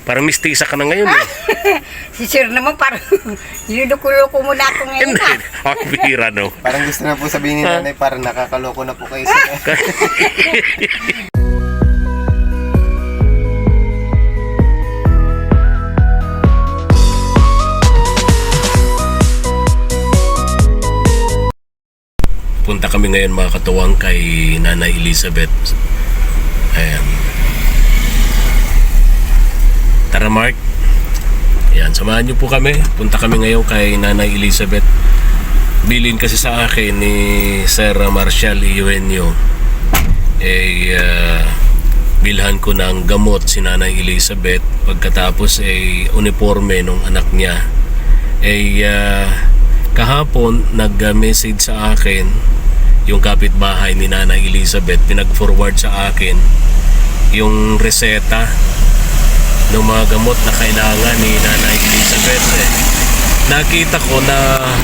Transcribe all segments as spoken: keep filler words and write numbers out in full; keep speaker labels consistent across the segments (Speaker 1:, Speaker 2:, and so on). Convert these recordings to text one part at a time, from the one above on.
Speaker 1: Parang mistisa ka na ngayon eh.
Speaker 2: Si Sir naman parang niluko-loko mo na ako ngayon.
Speaker 1: Hindi. Ang bihira no.
Speaker 3: Parang gusto na po sabihin ni nanay, parang nakakaloko na po kayo sa...
Speaker 1: Punta kami ngayon mga katuwang kay Nanay Elizabeth. Ayan. Tara Mark. Ayan, samahan niyo po kami. Punta kami ngayon kay Nanay Elizabeth. Bilin kasi sa akin ni Sir Marshall Eugenio. Eh, uh, bilhan ko ng gamot si Nanay Elizabeth. Pagkatapos ay eh, uniforme nung anak niya. Eh, uh, kahapon nag-message sa akin yung kapitbahay ni Nanay Elizabeth, pinag-forward sa akin yung reseta ng mga gamot na kailangan ni Nanay Elizabeth. Eh, nakita ko na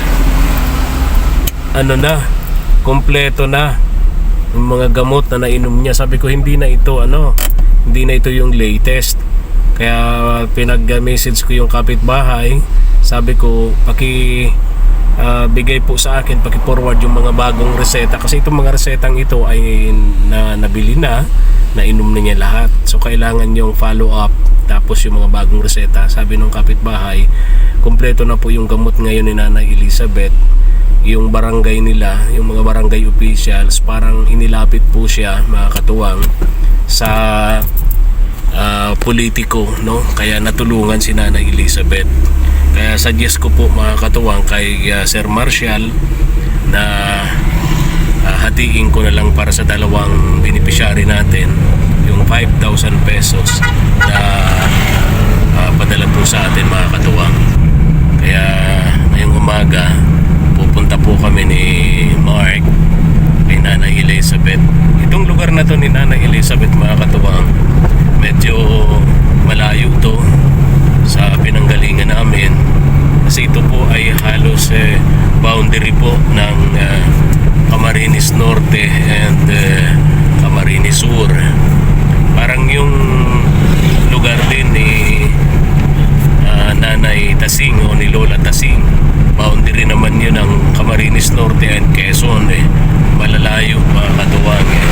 Speaker 1: ano na, kompleto na yung mga gamot na nainom niya. Sabi ko hindi na ito ano, hindi na ito yung latest. Kaya pinag-message ko yung kapitbahay. Sabi ko paki Uh, bigay po sa akin, paki-forward yung mga bagong reseta kasi itong mga resetang ito ay na, nabili na, nainom na niya lahat. So kailangan yung follow up tapos yung mga bagong reseta. Sabi ng kapitbahay, kompleto na po yung gamot ngayon ni Nanay Elizabeth. Yung barangay nila, yung mga barangay officials, parang inilapit po siya mga katuwang sa uh, politiko, no? Kaya natulungan si Nanay Elizabeth. Kaya suggest ko po mga katuwang kay uh, Sir Marshall na uh, hatiin ko na lang para sa dalawang beneficiary natin yung five thousand pesos na uh, padala po sa atin mga katuwang. Kaya ngayong umaga pupunta po kami ni Mark kay Nanay Elizabeth. Itong lugar na to ni Nanay Elizabeth mga katuwang, medyo malayo to sa pinanggalingan namin kasi ito po ay halos eh, boundary po ng uh, Camarines Norte and uh, Camarines Sur. Parang yung lugar din ni uh, Nanay Tasing o ni Lola Tasing, boundary naman yun ng Camarines Norte and Quezon. Eh, malalayo mga katuwang eh.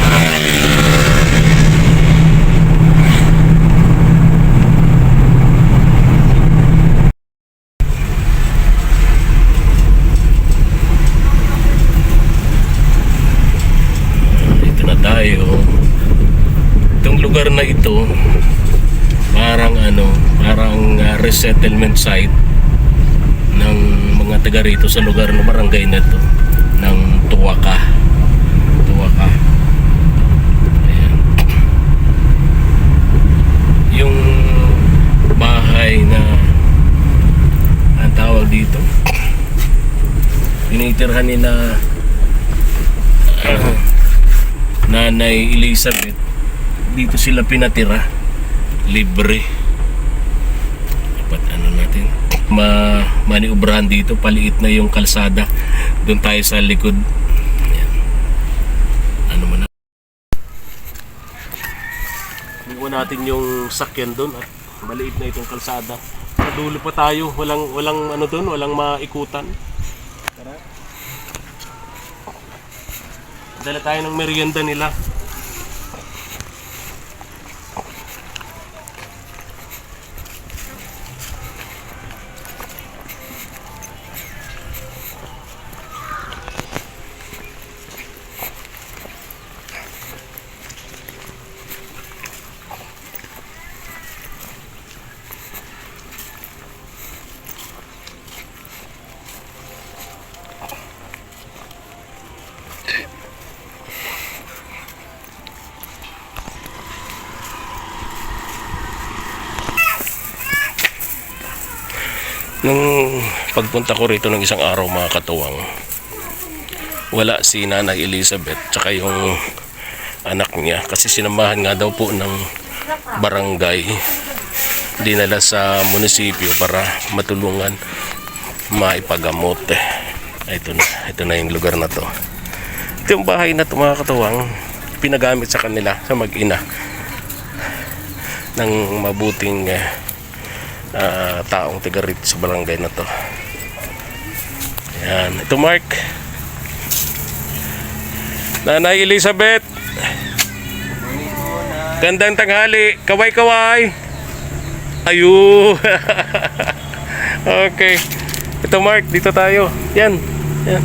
Speaker 1: Tayo. Itong lugar na ito parang ano, parang uh, resettlement site ng mga taga rito sa lugar ng barangay na to ng Tuwaka. Tuwaka. Ayan. Yung bahay na ang tawag dito tinitirhan ni na uh, Nanay Elizabeth, dito sila pinatira, libre. Dapat ano natin, ma maniubrahan dito, paliit na yung kalsada. Doon tayo sa likod. Ayan. Ano mo na? Iwan natin yung sakyan doon at maliit na itong kalsada. Sa dulo pa tayo, walang walang ano doon, walang maikutan. Tara. Dala tayo ng merienda nila. Nung pagpunta ko rito ng isang araw mga katuwang, wala si Nanay Elizabeth tsaka yung anak niya kasi sinamahan nga daw po ng barangay, dinala sa munisipyo para matulungan maipagamot. Ito na, ito na yung lugar na to. Ito yung bahay na to mga katuwang, pinagamit sa kanila sa mag-ina ng mabuting eh, ah, taong tiga rito sa barangay na to. Yan, ito Mark. Nanay Elizabeth. Gandang tanghali. Kaway-kaway. Ayun. Okay. Ito Mark, dito tayo. Yan. Yan.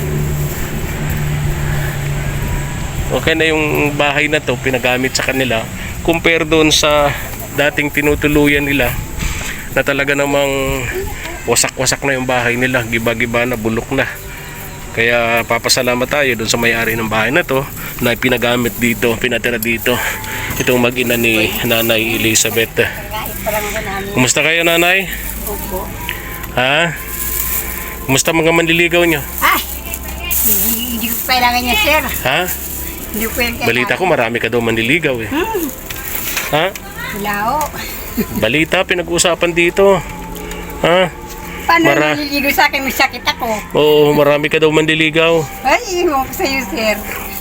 Speaker 1: Okay na yung bahay na to, pinagamit sa kanila. Compare doon sa dating tinutuluyan nila na talaga namang wasak-wasak na yung bahay nila. Giba-giba na, bulok na. Kaya papasalamat tayo doon sa may-ari ng bahay na to na pinagamit dito, pinatira dito. Itong mag-ina ni Nanay Elizabeth.
Speaker 2: Kahit pa lang ba namin.
Speaker 1: Kumusta kayo, Nanay?
Speaker 2: Opo.
Speaker 1: Ha? Kumusta mga manliligaw nyo?
Speaker 2: Ay! Hindi, hindi ko kailangan niya, sir.
Speaker 1: Ha?
Speaker 2: Hindi ko kailangan.
Speaker 1: Balita ko marami ka daw manliligaw eh.
Speaker 2: Hmm.
Speaker 1: Ha?
Speaker 2: Wala ho.
Speaker 1: Balita pinag-uusapan dito. Ha?
Speaker 2: Paano
Speaker 1: Mara-
Speaker 2: naliligo sa akin? May sakit ako.
Speaker 1: Oo, marami ka daw manliligaw.
Speaker 2: Ay, iwan ko sa'yo, sir.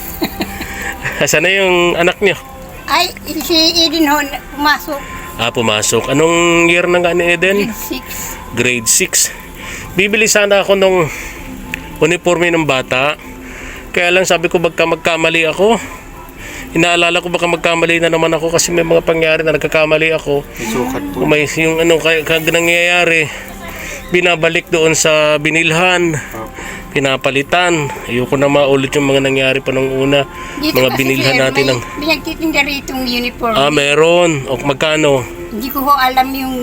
Speaker 1: Asan na yung anak niyo?
Speaker 2: Ay, si Eden ho, pumasok.
Speaker 1: Ah, pumasok. Anong year na nga ni Eden?
Speaker 2: Grade six.
Speaker 1: Grade six. Bibili sana ako nung uniforme ng bata. Kaya lang sabi ko baka magkamali ako. Inaalala ko baka magkamali na naman ako kasi may mga pangyari na nagkakamali ako.
Speaker 3: May sukat po.
Speaker 1: Kung may yung ano kaya kag nangyayari, binabalik doon sa binilhan, pinapalitan. Ayoko na maulit yung mga nangyari pa nung una.
Speaker 2: Dito
Speaker 1: Mga
Speaker 2: kasi,
Speaker 1: binilhan
Speaker 2: sir,
Speaker 1: natin ng
Speaker 2: may, may nagtitinda rito yung uniform.
Speaker 1: ah, meron. O magkano?
Speaker 2: Hindi ko ho alam yung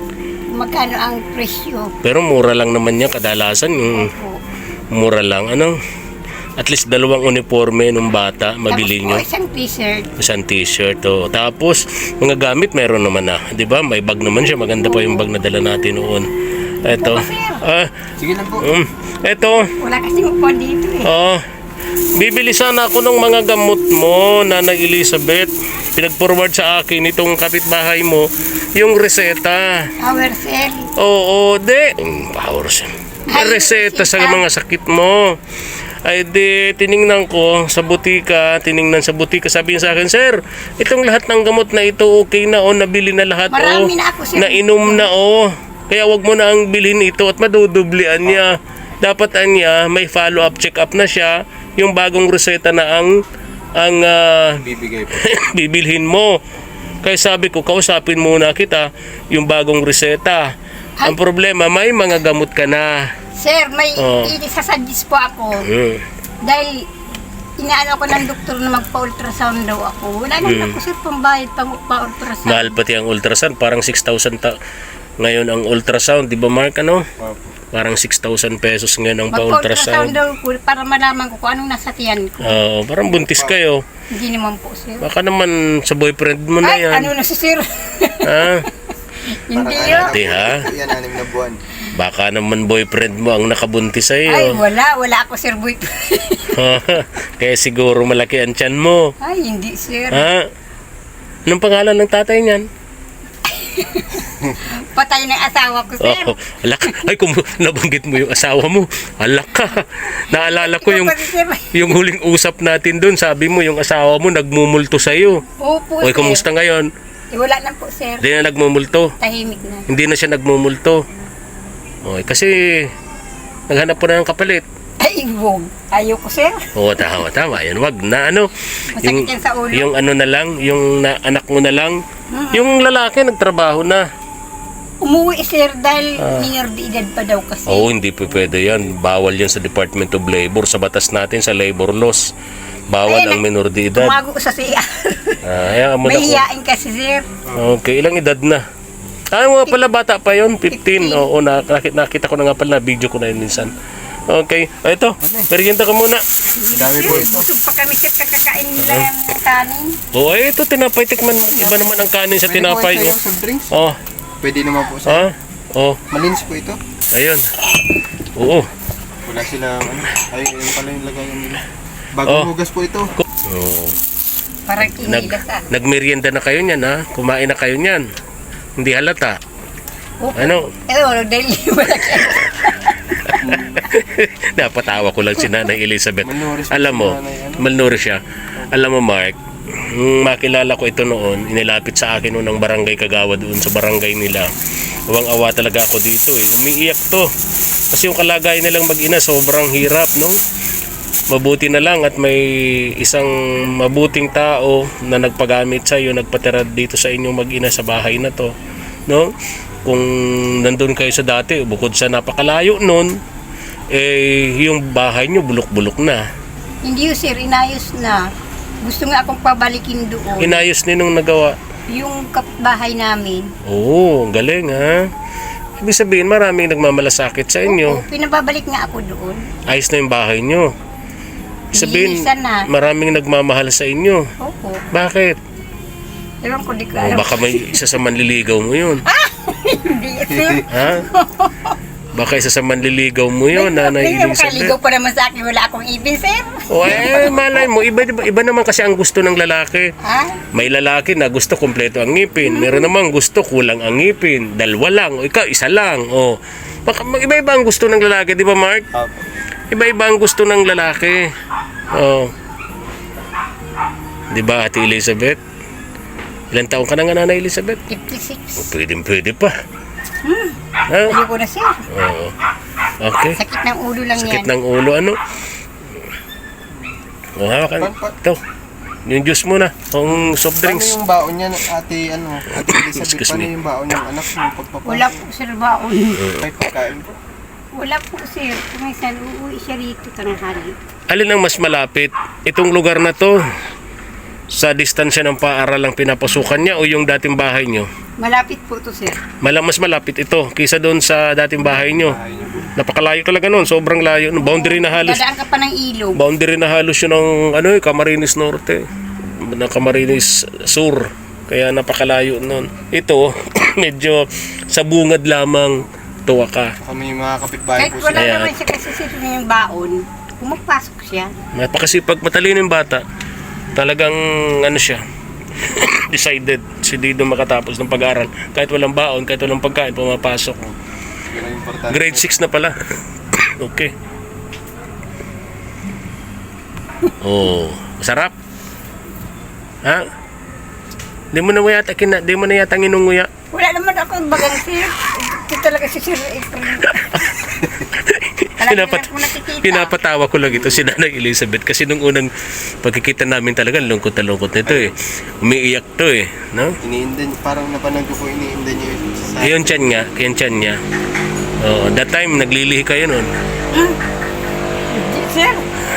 Speaker 2: magkano ang presyo.
Speaker 1: Pero mura lang naman yan kadalasan yung
Speaker 2: Opo.
Speaker 1: mura lang. Ano? At least dalawang uniforme nung bata mabili
Speaker 2: Tapos
Speaker 1: nyo.
Speaker 2: po, isang t-shirt.
Speaker 1: Isang t-shirt. Oh. Tapos mga gamit meron naman na. 'Di ba? May bag naman siya. Maganda pa yung bag na dala natin noon. Ito. Ah,
Speaker 3: Sige lang po.
Speaker 1: um, ito.
Speaker 2: Wala kasing upuan dito eh.
Speaker 1: Oh. Bibili sana ako ng mga gamot mo, Nanay Elizabeth. Pinag-forward sa akin itong kapitbahay mo yung reseta.
Speaker 2: Power cell.
Speaker 1: Oo, de. Mm, Power cell.
Speaker 2: Ay,
Speaker 1: Reseta sa
Speaker 2: reseta.
Speaker 1: mga sakit mo. Ay di, tiningnan ko sa butika, tiningnan sa butika, sabi niya sa akin, sir, itong lahat ng gamot na ito okay na o, nabili na lahat o,
Speaker 2: Marami na ako, sir.
Speaker 1: nainom na o. Kaya wag mo na ang bilhin ito at madudublian niya. Dapat anya, may follow-up check-up na siya, yung bagong reseta na ang ang ah,
Speaker 3: Bibigay po.
Speaker 1: bibilhin mo. Kaya sabi ko, kausapin muna kita yung bagong reseta. Ang problema, may mga gamot ka na.
Speaker 2: Sir, may
Speaker 1: Oh.
Speaker 2: isasadis po ako.
Speaker 1: Hmm.
Speaker 2: Dahil inaano ko ng doktor na magpa-ultrasound daw ako. Wala naman ako, sir, pambayad pang pa-ultrasound.
Speaker 1: Mahal pati ang ultrasound, parang six thousand ta- ngayon ang ultrasound, di ba Mark, ano?
Speaker 3: Opo.
Speaker 1: Parang six thousand pesos ngayon ang
Speaker 2: Magpa-ultrasound
Speaker 1: pa-ultrasound.
Speaker 2: daw ko para malaman ko kung anong nasa tiyan ko.
Speaker 1: Oo, parang buntis kayo.
Speaker 2: Hindi naman po, sir.
Speaker 1: Baka naman sa boyfriend mo na
Speaker 2: Ay,
Speaker 1: yan.
Speaker 2: ano na si sir?
Speaker 1: Ha?
Speaker 2: Hindi
Speaker 3: Parang
Speaker 2: yun.
Speaker 1: Hindi ha?
Speaker 3: Yan, anim na buwan.
Speaker 1: Baka naman boyfriend mo ang nakabuntis sa
Speaker 2: Ay,
Speaker 1: iyo.
Speaker 2: wala. Wala ako, sir, boyfriend.
Speaker 1: Kaya siguro malaki ang tiyan mo.
Speaker 2: Ay, hindi, sir.
Speaker 1: Ha? Anong pangalan ng tatay niyan?
Speaker 2: Patay ng asawa ko, sir.
Speaker 1: Oh, alak. Ay, kung nabanggit mo yung asawa mo, alak ka. Naalala ko yung
Speaker 2: Pati, sir.
Speaker 1: yung huling usap natin doon, sabi mo yung asawa mo nagmumulto sa iyo.
Speaker 2: Opo,
Speaker 1: Oy,
Speaker 2: sir.
Speaker 1: kumusta ngayon?
Speaker 2: Eh, wala na po, sir.
Speaker 1: Hindi na nagmumulto.
Speaker 2: Tahimik na.
Speaker 1: Hindi na siya nagmumulto. Oy, kasi naghanap po na ng kapalit.
Speaker 2: Ay, wag. Ayoko, sir.
Speaker 1: Oo, tama, tama. Yan, wag na ano.
Speaker 2: Masakit yan sa ulo.
Speaker 1: Yung ano na lang, yung na, anak mo na lang. Yung lalaki nagtrabaho na.
Speaker 2: Umuwi, sir, dahil minor de edad pa daw kasi.
Speaker 1: Oo, hindi po pwede yan. Bawal yan sa Department of Labor. Sa batas natin, sa labor laws. Bawal
Speaker 2: Ay,
Speaker 1: ang minor de edad.
Speaker 2: Tumago sa C R.
Speaker 1: Ah, hayaan mo na
Speaker 2: May
Speaker 1: ko.
Speaker 2: hiyain kasi, sir.
Speaker 1: Okay, ilang edad na? Ah, nga pala, bata pa yun, fifteen.
Speaker 2: fifteen.
Speaker 1: Oo, nakita, nakita ko na nga pala, video ko na yun minsan. Okay, ah, ito, merienda ka muna.
Speaker 3: Dami po ito.
Speaker 2: Busog pa kami, sir, kakakain nila yung kanin.
Speaker 1: Oo, oh, ito, tinapay, tikman mo. Iba naman ang kanin sa
Speaker 3: Pwede po
Speaker 1: tinapay
Speaker 3: ito
Speaker 1: niya.
Speaker 3: yung soft drinks.
Speaker 1: Oh,
Speaker 3: Pwede naman po sa...
Speaker 1: ah, oh,
Speaker 3: Malins po ito.
Speaker 1: ayun. Oo.
Speaker 3: Wala sila, ano, ay, yun pala yung lagayan nila. Bagong
Speaker 1: Oh.
Speaker 3: hugas po ito.
Speaker 1: Oh.
Speaker 2: Parang
Speaker 1: Nag,
Speaker 2: inilas, ah.
Speaker 1: nagmerienda na kayo niyan, ha? Kumain na kayo niyan. Hindi halata.
Speaker 2: Opo.
Speaker 1: Ano?
Speaker 2: Eh, wala, dahil wala kayo.
Speaker 1: Napatawa ko lang si Nanay Elizabeth.
Speaker 3: Malnourished po
Speaker 1: Alam
Speaker 3: si
Speaker 1: mo,
Speaker 3: Nanay, ano?
Speaker 1: malnourished siya. Alam mo, Mark, nung makilala ko ito noon, inilapit sa akin noon ng barangay Kagawa doon sa barangay nila. Awang-awa talaga ako dito eh. Umiiyak to. Kasi yung kalagayan nilang mag-ina sobrang hirap, no? Mabuti na lang at may isang mabuting tao na nagpagamit sa iyo, nagpatira dito sa inyong mag-ina sa bahay na to, no? Kung nandun kayo sa dati, bukod sa napakalayo nun, eh yung bahay nyo bulok-bulok na.
Speaker 2: Hindi yun sir, inayos na. Gusto nga akong pabalikin doon.
Speaker 1: Inayos ninong nagawa.
Speaker 2: Yung kapbahay namin.
Speaker 1: Oo, ang galing ha. Ibig sabihin maraming nagmamalasakit sa inyo.
Speaker 2: Oo, pinababalik nga ako doon.
Speaker 1: Ayos na yung bahay nyo. Sabihin,
Speaker 2: Nilinisan na.
Speaker 1: maraming nagmamahal sa inyo.
Speaker 2: Opo.
Speaker 1: Bakit?
Speaker 2: Ewan ko, di ko
Speaker 1: O
Speaker 2: alam.
Speaker 1: baka may isa sa manliligaw mo yun.
Speaker 2: Hindi, sir.
Speaker 1: Ha? Baka isa sa manliligaw mo yun, Nanay
Speaker 2: May
Speaker 1: Elizabeth.
Speaker 2: makaligaw pa naman sa akin, wala akong ibin, sir.
Speaker 1: O eh, malay mo, iba, iba, iba naman kasi ang gusto ng lalaki.
Speaker 2: Ha?
Speaker 1: May lalaki na gusto kompleto ang ngipin. Meron namang gusto kulang ang ngipin. Dalawa lang. O ikaw, isa lang. O, baka iba-iba ang gusto ng lalaki, di ba Mark?
Speaker 3: Opo.
Speaker 1: Iba-iba ang gusto ng lalaki. Oh. 'Di ba, Ate Elizabeth? Ilang taon ka na nga, Nanay Elizabeth?
Speaker 2: fifty-six.
Speaker 1: O, pwede, pwede pa.
Speaker 2: Hmm.
Speaker 1: Ha?
Speaker 2: Ayoko na, sir.
Speaker 1: Oo. Okay.
Speaker 2: Sakit ng ulo lang
Speaker 1: Sakit
Speaker 2: yan.
Speaker 1: ng ulo, ano? O, hawakan. Ito. Yung juice mo na. Yung soft
Speaker 3: Paano
Speaker 1: drinks.
Speaker 3: yung baon niya, ate, ano, ate Elizabeth,
Speaker 1: Excuse
Speaker 3: paano
Speaker 1: me.
Speaker 3: yung baon ng anak mo pagpapasok?
Speaker 2: Wala po, sir, baon.
Speaker 3: May pagkain po.
Speaker 2: Wala po, sir. Kumisan, uuwi siya rito tanghali.
Speaker 1: Alin ang mas malapit? Itong lugar na to, sa distansya ng paaral ang pinapasukan niya o yung dating bahay niyo?
Speaker 2: Malapit po to, sir.
Speaker 1: Mala, mas malapit ito kaysa doon sa dating bahay niyo. Napakalayo talaga noon, sobrang layo. No, boundary na halos.
Speaker 2: Dadaan ka pa ng ilog.
Speaker 1: Boundary na halos yun ng ano, eh, Camarines Norte, ng Camarines Sur. Kaya napakalayo noon. Ito, medyo sa bungad lamang tuwa ka.
Speaker 3: Kami yung mga kapitbahay
Speaker 2: Kahit
Speaker 3: po
Speaker 2: wala
Speaker 3: siya.
Speaker 1: Ayan.
Speaker 2: naman siya kasi sir yung baon, pumapasok siya.
Speaker 1: Napakasipag, matalino yung bata. Talagang ano siya, decided si Dido makatapos ng pag-aaral. Kahit walang baon, kahit walang pagkain, pumapasok.
Speaker 3: Yun ang importante.
Speaker 1: Grade six na pala. Okay. Oh, masarap. Ha? Di mo na yata kina, di mo na yata nginunguya.
Speaker 2: Wala naman ako bagang sir. Ito talaga si Sir April.
Speaker 1: Pinapat, pinapatawa ko lang ito si Nanay Elizabeth kasi nung unang pagkikita namin talaga lungkot na lungkot nito eh. Umiiyak to eh, no?
Speaker 3: Iniindan, parang napanood ko po iniindan niyo yung sa...
Speaker 1: Ayun tiyan niya, kaya tiyan niya. Oh, that time naglilihi kayo noon.
Speaker 2: Sir,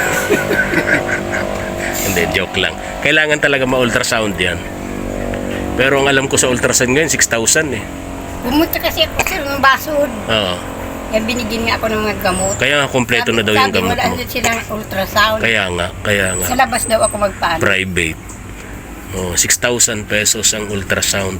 Speaker 1: Hindi, joke lang. Kailangan talaga ma-ultrasound yan. Pero ang alam ko sa ultrasound ngayon, six thousand eh.
Speaker 2: pumunta kasi ako sir ng basod.
Speaker 1: Oo.
Speaker 2: Kaya binigyan nga ako ng mga gamot.
Speaker 1: Kaya nga kompleto na daw yung
Speaker 2: Sabi,
Speaker 1: gamot
Speaker 2: wala
Speaker 1: mo.
Speaker 2: na silang ultrasound.
Speaker 1: Kaya nga, kaya nga.
Speaker 2: Sa labas daw ako magpaano.
Speaker 1: Private. Oh, six thousand pesos ang ultrasound.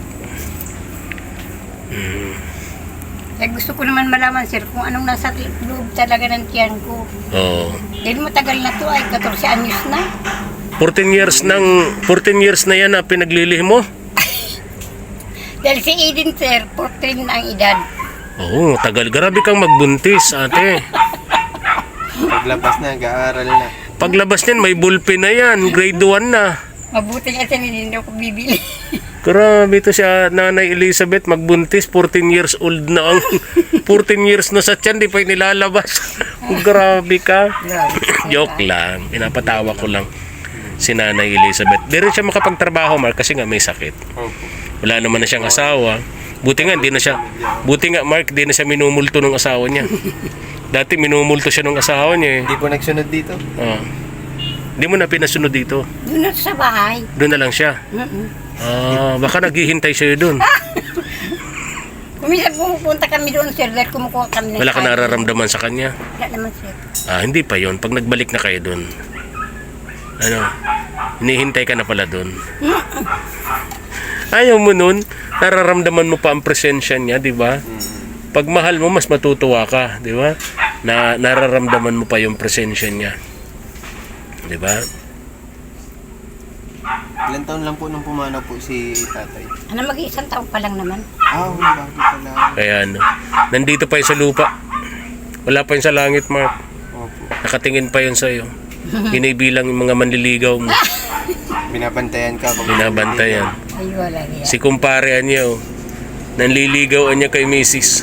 Speaker 1: Mm.
Speaker 2: Kaya gusto ko naman malaman sir kung anong nasa loob talaga ng tiyan ko.
Speaker 1: Oh.
Speaker 2: Dahil matagal na to ay fourteen anyos na.
Speaker 1: fourteen years nang fourteen years na yan na pinaglilih mo?
Speaker 2: Dahil si Eden sir, fourteen na ang edad.
Speaker 1: Oo, oh, tagal. Grabe kang magbuntis, ate.
Speaker 3: Paglabas na, nag-aaral na.
Speaker 1: Paglabas niyan, may bullpen na yan. Grade one na.
Speaker 2: Mabuti nga siya hindi ko bibili.
Speaker 1: Grabe to siya, Nanay Elizabeth, magbuntis. fourteen years old na ang... fourteen years na sa tiyan, di pa nilalabas. Grabe ka. Joke lang. Pinapatawa ko lang si Nanay Elizabeth. Di rin siya makapagtrabaho, Mark, kasi nga may sakit.
Speaker 3: Opo.
Speaker 1: Wala naman na siyang asawa. Buti nga, hindi na siya... Buti nga, Mark, di na siya minumulto ng asawa niya. Dati minumulto siya ng asawa niya eh.
Speaker 3: Hindi po nagsunod dito.
Speaker 1: Oh. Di mo na pinasunod dito.
Speaker 2: Doon na sa bahay.
Speaker 1: Doon na lang siya.
Speaker 2: Mm-mm.
Speaker 1: Ah, baka naghihintay sa'yo doon.
Speaker 2: Kuminsan pumupunta kami doon sir dahil kumukuha kami ng
Speaker 1: Wala ka
Speaker 2: kain.
Speaker 1: nararamdaman sa kanya.
Speaker 2: Wala naman sir.
Speaker 1: Ah, hindi pa yon. Pag nagbalik na kayo doon. Ano? Hinihintay ka na pala doon. Ayaw mo nun, nararamdaman mo pa ang presensya niya, di ba? Pag mahal mo, mas matutuwa ka, di ba? Na nararamdaman mo pa yung presensya niya. Di ba?
Speaker 3: Ilan taon lang po nung pumanaw po si tatay?
Speaker 2: Ano mag-iisang taon pa lang naman.
Speaker 3: Ah, bago pala.
Speaker 1: Kaya ano, nandito pa yun sa lupa. Wala pa yun sa langit, Mark.
Speaker 3: Opo.
Speaker 1: Nakatingin pa yun sa'yo. Binibilang yung mga manliligaw mo.
Speaker 3: Binabantayan ka. pag-
Speaker 1: Binabantayan.
Speaker 2: Ay wala niya.
Speaker 1: Si kumpare niya, oh. Nanliligawan niya kay Missus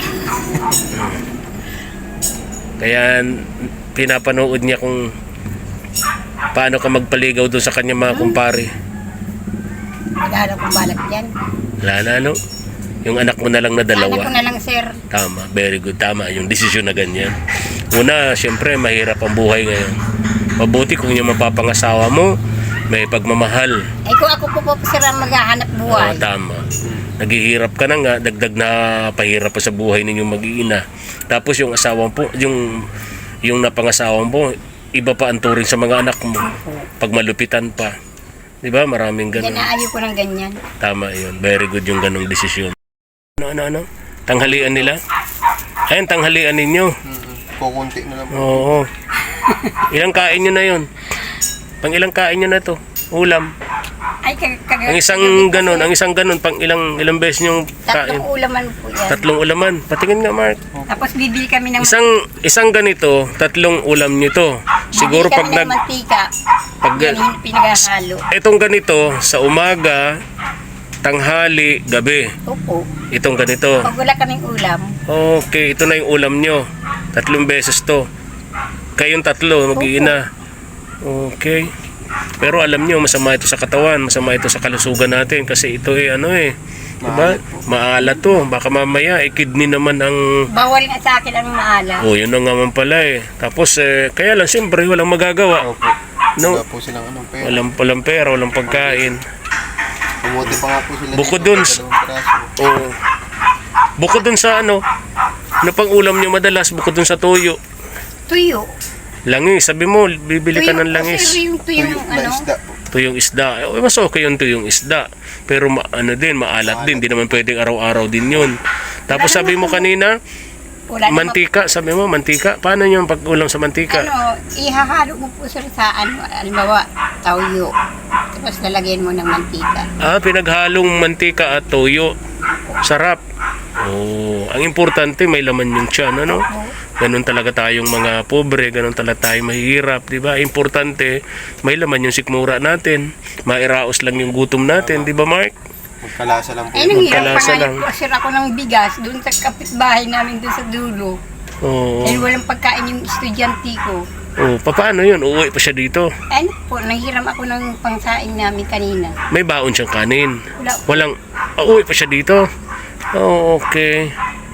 Speaker 1: Kaya pinapanood niya kung paano ka magpaligaw doon sa kanya mga kumpare.
Speaker 2: Wala na kong balak yan.
Speaker 1: Wala na, ano? Yung anak mo na lang na
Speaker 2: Anak ko
Speaker 1: dalawa.
Speaker 2: na lang, sir.
Speaker 1: Tama, very good. Tama yung desisyon na ganyan. Una, syempre, mahirap ang buhay ngayon. Mabuti kung yung mapapangasawa mo, may pagmamahal.
Speaker 2: Ay kung ako po po sir ang maghahanap buhay.
Speaker 1: Oo, tama. Naghihirap ka na nga, dagdag na pahirap pa sa buhay ninyong mag-iina. Tapos yung asawa po, yung yung napangasawa mo, iba pa ang turing sa mga anak mo. Pag malupitan pa. 'Di ba? Maraming
Speaker 2: Yan
Speaker 1: ganun.
Speaker 2: na ayaw ko ng ganyan.
Speaker 1: Tama 'yun. Very good yung ganung desisyon. Ano ano ano? Tanghalian nila? Ayun, tanghalian ninyo.
Speaker 3: Mm-mm. Kukunti na lang po.
Speaker 1: Oo. Ilang kain nyo na 'yon? Pang ilang kain nyo na 'to? Ulam.
Speaker 2: Ay kag kag
Speaker 1: Ang isang ganun, ang isang ganun, pang ilang ilang beses yung kain?
Speaker 2: tatlong ulaman po yan.
Speaker 1: Tatlong ulaman. Patingin nga, Mark.
Speaker 2: Tapos bibili kami ng
Speaker 1: Isang isang ganito, tatlong ulam nyo to. Siguro
Speaker 2: bibili
Speaker 1: pag
Speaker 2: kami ng
Speaker 1: nag
Speaker 2: mantika.
Speaker 1: pag
Speaker 2: Yan yung pinaghahalo.
Speaker 1: itong ganito sa umaga, tanghali, gabi.
Speaker 2: Opo.
Speaker 1: Itong ganito.
Speaker 2: Pag wala kaming ulam,
Speaker 1: Okay, ito na yung ulam nyo. Tatlong beses to. Kayong tatlo, mag-iina. Okay. Pero alam nyo, masama ito sa katawan, masama ito sa kalusugan natin kasi ito eh, ano eh, diba? Maalat to. Baka mamaya, eh, kidney naman ang...
Speaker 2: bawal nga sa akin ang maalam.
Speaker 1: Oh, yun na nga man pala eh. Tapos, eh, kaya lang, siyempre, walang magagawa.
Speaker 3: Opo.
Speaker 1: No?
Speaker 3: Wala po silang anong pera.
Speaker 1: Walang, walang pera, walang pagkain.
Speaker 3: Pumuti pa nga po sila
Speaker 1: Bukod
Speaker 3: dito,
Speaker 1: dun-
Speaker 3: dalawang piraso.
Speaker 1: Oh. Bukod dun sa ano, ano pang ulam nyo madalas, bukod dun sa tuyo.
Speaker 2: Tuyo.
Speaker 1: Langis, sabi mo, bibili ka
Speaker 2: Tuyo
Speaker 1: ng
Speaker 2: kasi
Speaker 1: langis.
Speaker 2: yung tuyong
Speaker 3: Tuyo na
Speaker 2: ano.
Speaker 3: isda po.
Speaker 1: Tuyong isda. Eh, mas okay yung tuyong isda. Pero ma- ano din, maalat din. Di naman pwedeng araw-araw din yun. Tapos sabi mo kanina,
Speaker 2: Wala namang-
Speaker 1: mantika. Sabi mo, mantika. Paano yung pag-ulam sa mantika?
Speaker 2: Ano, ihahalo mo po sir sa ano, halimbawa, tawyo. Tapos lalagyan mo ng mantika.
Speaker 1: Ah, pinaghalong mantika at toyo. Sarap. Oh, ang importante may laman yung tiyan, ano? Ganun talaga tayong mga pobre, ganun talaga tayong mahihirap, di ba? Importante, may laman yung sikmura natin. Mairaos lang yung gutom natin, di ba, Mark?
Speaker 3: Magkalasa lang po.
Speaker 2: Ay, nang hirap
Speaker 1: Magkalasa
Speaker 2: pa nga
Speaker 1: lang.
Speaker 2: po sir ako ng bigas doon sa kapitbahay namin doon sa dulo.
Speaker 1: Oo.
Speaker 2: Dahil walang pagkain yung estudyante ko.
Speaker 1: Oh, paano yun? Uuwi pa siya dito.
Speaker 2: Ano po, nanghiram ako ng pangsaing namin kanina.
Speaker 1: May baon siyang kanin.
Speaker 2: Wala.
Speaker 1: Walang, ah, uuwi pa siya dito. Oh, okay.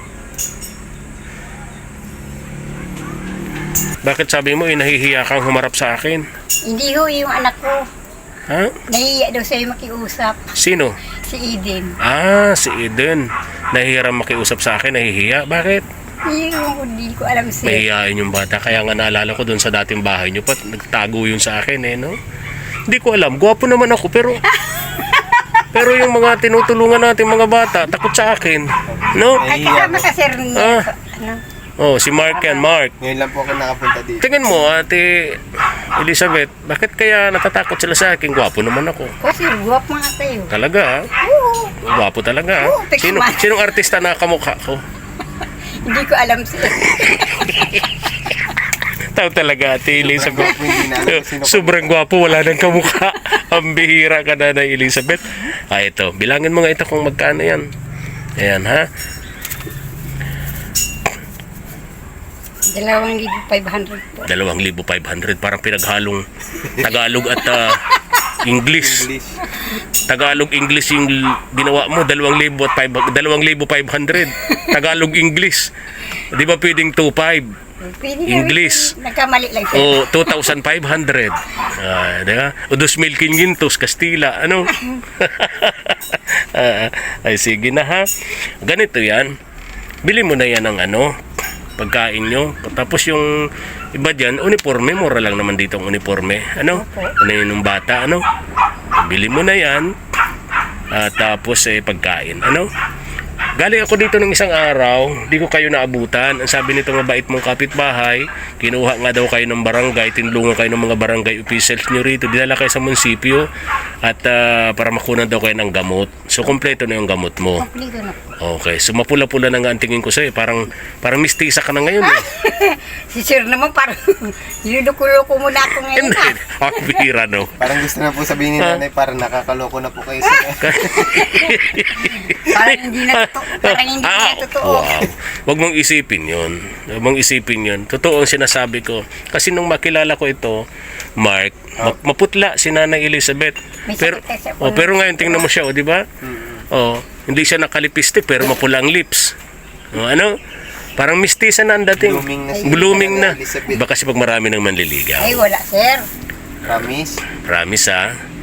Speaker 1: Bakit sabi mo, eh, nahihiya kang humarap sa akin?
Speaker 2: Hindi ho yung anak ko.
Speaker 1: Ha?
Speaker 2: Nahiya daw sa'yo makiusap.
Speaker 1: Sino?
Speaker 2: Si Eden.
Speaker 1: Ah, si Eden. Nahihiram makiusap sa akin, nahihiya. Bakit?
Speaker 2: Yung hindi ko alam sir.
Speaker 1: Mahihiyain yung bata. Kaya nga naalala ko dun sa dating bahay niyo, pat nagtago yun sa akin eh, no? Hindi ko alam. Gwapo naman ako, pero... pero yung mga tinutulungan natin mga bata, takot sa akin. No?
Speaker 2: Ay, kasama ka sir niya.
Speaker 1: Ah.
Speaker 2: Ano?
Speaker 1: Oh, si Mark yan, Mark.
Speaker 3: Ngayon lang po ako nakapunta dito.
Speaker 1: Tingin mo, Ate Elizabeth, bakit kaya natatakot sila sa akin? Gwapo naman ako.
Speaker 2: O sir, guwap mga kayo.
Speaker 1: Talaga, ha?
Speaker 2: Oo.
Speaker 1: Gwapo talaga, ha?
Speaker 2: Oo, teka
Speaker 1: Sino,
Speaker 2: man.
Speaker 1: sinong artista na kamukha ko?
Speaker 2: Hindi ko alam sir.
Speaker 1: Tao talaga, Ate Elizabeth.
Speaker 3: Gwapo, hindi na alam kung sino ka.
Speaker 1: Sobrang gwapo, wala nang kamukha. Ang bihira ka na na Elizabeth. Ah, ito. Bilangin mo nga ito kung magkano yan. Ayan, ha?
Speaker 2: Dalawang libo five hundred po.
Speaker 1: dalawang libo five hundred. Parang pinaghalong Tagalog at ah, English.
Speaker 3: English.
Speaker 1: Tagalog English yung ginawa mo, dalawang libo at five, dalawang libo five hundred. Tagalog English. Di ba pwedeng two five?
Speaker 2: Pwede na
Speaker 1: English.
Speaker 2: rin. Nagkamali lang sir.
Speaker 1: O two thousand five hundred. Ah, di ba? O dos mil quinientos Kastila, ano? Ah, ay sige na ha. Ganito 'yan. Bili mo na 'yan ng ano, pagkain nyo. Tapos yung iba dyan, uniforme, mura lang naman dito ang uniforme. Ano? Ano yun ng bata, ano? Bili mo na yan. At tapos eh, pagkain. Ano? Galing ako dito ng isang araw, di ko kayo naabutan. Ang sabi nito mabait mong kapitbahay, kinuha nga daw kayo ng barangay, tinulungan kayo ng mga barangay officials nyo rito, dinala kayo sa munisipyo at ah, para makunan daw kayo ng gamot. So, kompleto na yung gamot mo.
Speaker 2: Kompleto na po.
Speaker 1: Okay, so mapula-pula na nga ang tingin ko sa'yo. Parang, parang mistisa ka na ngayon eh.
Speaker 2: Si sir naman parang niluko-loko mo na ako ngayon.
Speaker 1: Hindi,
Speaker 2: ah.
Speaker 1: ang bihira no.
Speaker 3: Parang gusto na po sabihin ni nanay, parang nakakaloko na po kayo sir.
Speaker 2: Parang hindi na totoo. Parang hindi
Speaker 1: Ah,
Speaker 2: na totoo.
Speaker 1: wow. Huwag mong isipin yun. Huwag mong isipin yun. Totoo ang sinasabi ko. Kasi nung makilala ko ito, Mark, ma- maputla si Nanay Elizabeth.
Speaker 2: May
Speaker 1: Pero,
Speaker 2: sakit kasi
Speaker 1: oh,
Speaker 2: ulo.
Speaker 1: pero ngayon tingnan mo siya, oh, di ba? Oh, hindi siya nakalipistik pero mapula ang lips. Oh, ano? Parang mistisa na ang dating.
Speaker 3: Blooming na si
Speaker 1: Blooming na.
Speaker 3: Nanay Elizabeth.
Speaker 1: Iba kasi pag marami nang manliligaw.
Speaker 2: Ay, wala, sir.
Speaker 3: Promise?
Speaker 1: Promise ha.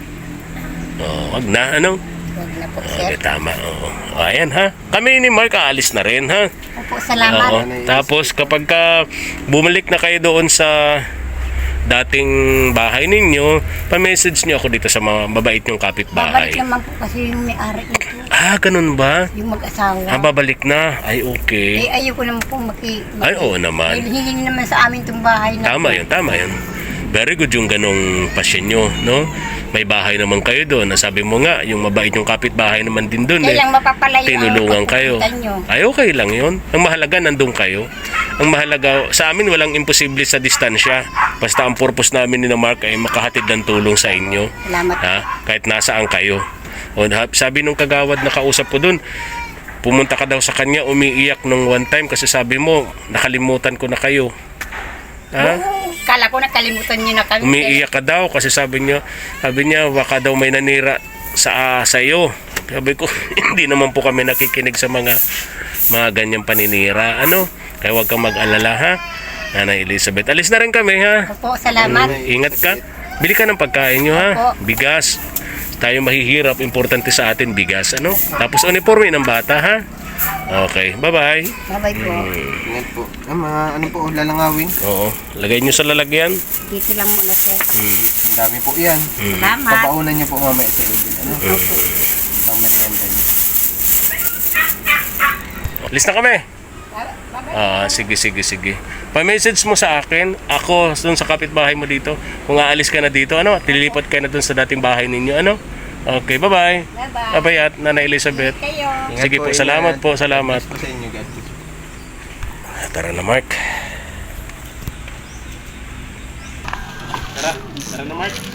Speaker 1: Oh, wag na, ano?
Speaker 2: Huwag na po,
Speaker 1: Oh,
Speaker 2: sir.
Speaker 1: okay, tama. Oh. Oh, ayan ha. Kami ni Mark aalis na rin ha.
Speaker 2: Opo, salamat.
Speaker 1: Oo. Tapos kapag ka bumalik na kayo doon sa dating bahay ninyo, pa-message niyo ako dito sa mga mabait niyong kapitbahay.
Speaker 2: Babalik naman po kasi yung may-ari nito.
Speaker 1: Ah, ganun ba?
Speaker 2: Yung mag-asawa.
Speaker 1: Ah, babalik na. Ay,
Speaker 2: Eh,
Speaker 1: okay.
Speaker 2: ayoko naman po maki... maki
Speaker 1: Ay, oo naman.
Speaker 2: Hingin naman sa amin itong bahay na...
Speaker 1: Tama yun, tama yun. Very good yung ganong pasyon nyo, no? May bahay naman kayo doon. Nasabi mo nga, yung mabait yung kapitbahay naman din doon eh.
Speaker 2: Kailang mapapalayo
Speaker 1: Tinulungan
Speaker 2: ang
Speaker 1: kayo.
Speaker 2: pagpunta nyo.
Speaker 1: Ay, okay lang yun. Ang mahalaga, nandun kayo. Ang mahalaga, sa amin walang imposible sa distansya. Basta ang purpose namin ni na Mark ay makahatid ng tulong sa inyo.
Speaker 2: Salamat.
Speaker 1: Ha? Kahit nasaan kayo. O, ha- sabi nung kagawad na kausap ko doon, pumunta ka daw sa kanya, umiiyak nung one time kasi sabi mo, nakalimutan ko na kayo. Ha?
Speaker 2: Oo, kala ko nakalimutan nyo na kami.
Speaker 1: Umiiyak ka daw kasi sabi niya, sabi niya baka daw may nanira sa sa iyo. Sabi ko, hindi naman po kami nakikinig sa mga mga ganyang paninira. Ano? Kaya huwag kang mag-alala ha. Nanay Elizabeth. Alis na rin kami ha.
Speaker 2: Opo, salamat.
Speaker 1: Ingat ka. Bili ka ng pagkain nyo ha. Bigas. Tayo mahihirap. Importante sa atin bigas. Ano? Tapos uniforme ng bata ha. Okay. Bye-bye.
Speaker 2: Bye-bye po.
Speaker 3: Ingat po. Ah, mga ano po, lalangawin?
Speaker 1: Oo. Lagay nyo sa lalagyan.
Speaker 2: Dito lang muna, sir.
Speaker 3: Ang dami po yan.
Speaker 2: Salamat.
Speaker 3: Papaunan niyo po mamaya sa ibig. Ano? Ang merienda niyo.
Speaker 1: Alis na kami. Ah, sige, sige, sige. Pa-message mo sa akin, ako dun sa kapitbahay mo dito. Kung aalis ka na dito, ano, tililipat ka na dun sa dating bahay ninyo, ano? Okay, bye-bye.
Speaker 2: Bye-bye.
Speaker 1: Bye-bye at Nanay Elizabeth.
Speaker 2: Kayo.
Speaker 3: Ingat
Speaker 1: Sige po,
Speaker 3: ingat.
Speaker 1: salamat po, salamat.
Speaker 3: Po sa inyo, God.
Speaker 1: Tara na, Mark. Tara, tara na, Mark.